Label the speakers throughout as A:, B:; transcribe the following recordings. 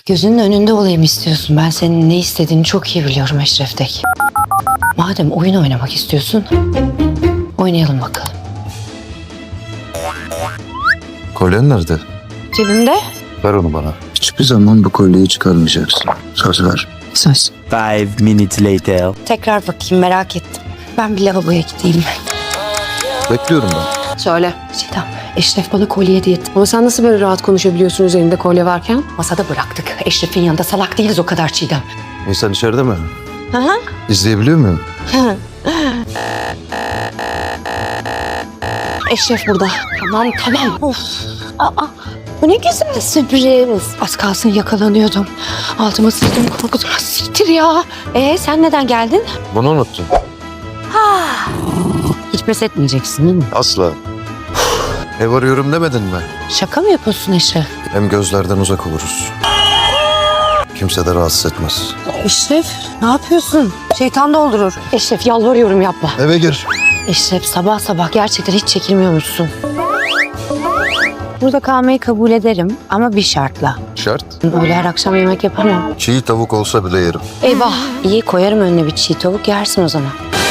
A: Gözünün önünde olayım istiyorsun. Ben senin ne istediğini çok iyi biliyorum Eşref Tek. Madem oyun oynamak istiyorsun, oynayalım bakalım.
B: Kolyen nerede?
A: Cebimde.
B: Ver onu bana.
C: Hiçbir zaman bu kolyeyi çıkarmayacaksın. Söz ver.
A: Söz.
D: 5 minutes later.
A: Tekrar bakayım, merak ettim. Ben bir lavaboya gideyim.
B: Bekliyorum ben.
A: Söyle. Çiğdem, Eşref bana kolye hediye etti.
E: Ama sen nasıl böyle rahat konuşabiliyorsun üzerinde kolye varken?
A: Masada bıraktık. Eşref'in yanında salak değiliz o kadar Çiğdem.
B: İnsan içeride mi?
A: Hı hı.
B: İzleyebiliyor muyum?
A: Eşref burada. Tamam. Of. Aa, bu ne güzel sürpriz. Az kalsın yakalanıyordum. Altıma sıçtım korkudan. Siktir ya. Sen neden geldin?
B: Bunu unuttun.
A: Hiç pes etmeyeceksin değil mi?
B: Asla. Ev arıyorum demedin mi?
A: Şaka mı yapıyorsun Eşref?
B: Hem gözlerden uzak oluruz. Kimse de rahatsız etmez.
A: Eşref ne yapıyorsun? Şeytan doldurur. Eşref yalvarıyorum yapma.
B: Eve gir.
A: Eşref sabah gerçekten hiç çekilmiyormuşsun. Burada kalmayı kabul ederim ama bir şartla.
B: Şart.
A: Öyle her akşam yemek yapamam.
B: Çiğ tavuk olsa bile yerim.
A: Eyvah. İyi koyarım önüne bir çiğ tavuk yersin o zaman.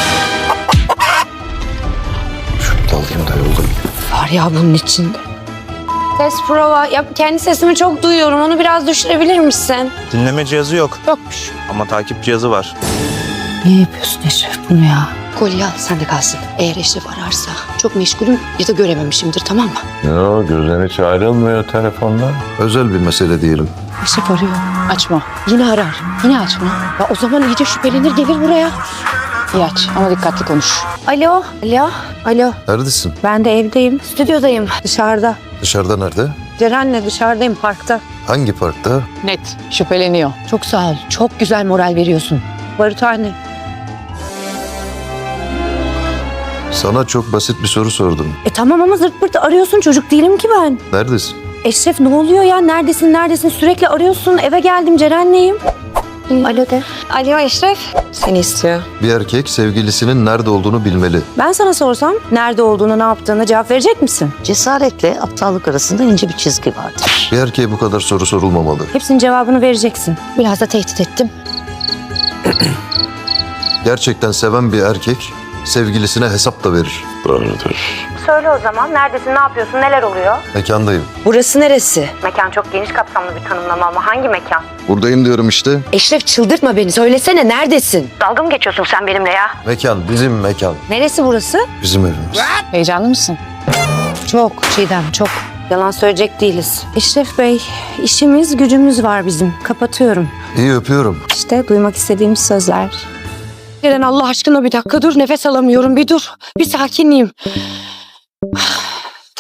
B: Şunu da alayım da yolda.
A: Var ya bunun içinde. Ses prova. Ya kendi sesimi çok duyuyorum. Onu biraz düşürebilir misin?
D: Dinleme cihazı yok.
A: Yokmuş.
D: Ama takip cihazı var.
A: Niye yapıyorsun Eşref bunu ya? Kolye al sen de kalsın. Eğer Eşref ararsa çok meşgulüm ya da görememişimdir tamam mı?
F: Yo, gözden hiç ayrılmıyor telefondan.
B: Özel bir mesele diyelim.
A: Eşref arıyor. Açma. Yine arar. Yine açma. Ya o zaman iyice şüphelenir gelir buraya. İyi aç ama dikkatli konuş. Alo.
B: Neredesin?
A: Ben de evdeyim. Stüdyodayım. Dışarıda.
B: Dışarıda nerede?
A: Ceren'le dışarıdayım parkta.
B: Hangi parkta?
E: Net. Şüpheleniyor.
A: Çok sağ ol. Çok güzel moral veriyorsun. Barutane.
B: Sana çok basit bir soru sordum.
A: Tamam ama zırt pırt arıyorsun. Çocuk değilim ki ben.
B: Neredesin?
A: Eşref ne oluyor ya? Neredesin? Sürekli arıyorsun. Eve geldim Ceren'leyim. Alo de. Alo Eşref. Seni istiyor.
B: Bir erkek sevgilisinin nerede olduğunu bilmeli.
A: Ben sana sorsam nerede olduğunu, ne yaptığını cevap verecek misin?
G: Cesaretle aptallık arasında ince bir çizgi vardır.
B: Bir erkeğe bu kadar soru sorulmamalı.
A: Hepsinin cevabını vereceksin. Biraz da tehdit ettim.
B: Gerçekten seven bir erkek sevgilisine hesap da verir.
F: Doğrudur.
A: Söyle o zaman. Neredesin, ne yapıyorsun, neler oluyor?
B: Mekandayım.
A: Burası neresi? Mekan çok geniş kapsamlı bir tanımlama ama hangi mekan?
B: Buradayım diyorum işte.
A: Eşref çıldırtma beni. Söylesene neredesin? Dalga mı geçiyorsun sen benimle ya?
B: Mekan, bizim mekan.
A: Neresi burası?
B: Bizim evimiz.
E: Heyecanlı mısın?
A: Çok Çiğdem, çok. Yalan söyleyecek değiliz. Eşref Bey, işimiz gücümüz var bizim. Kapatıyorum.
B: İyi öpüyorum.
A: İşte duymak istediğimiz sözler. Ceren Allah aşkına bir dakika dur. Nefes alamıyorum. Bir dur. Bir sakinleyeyim.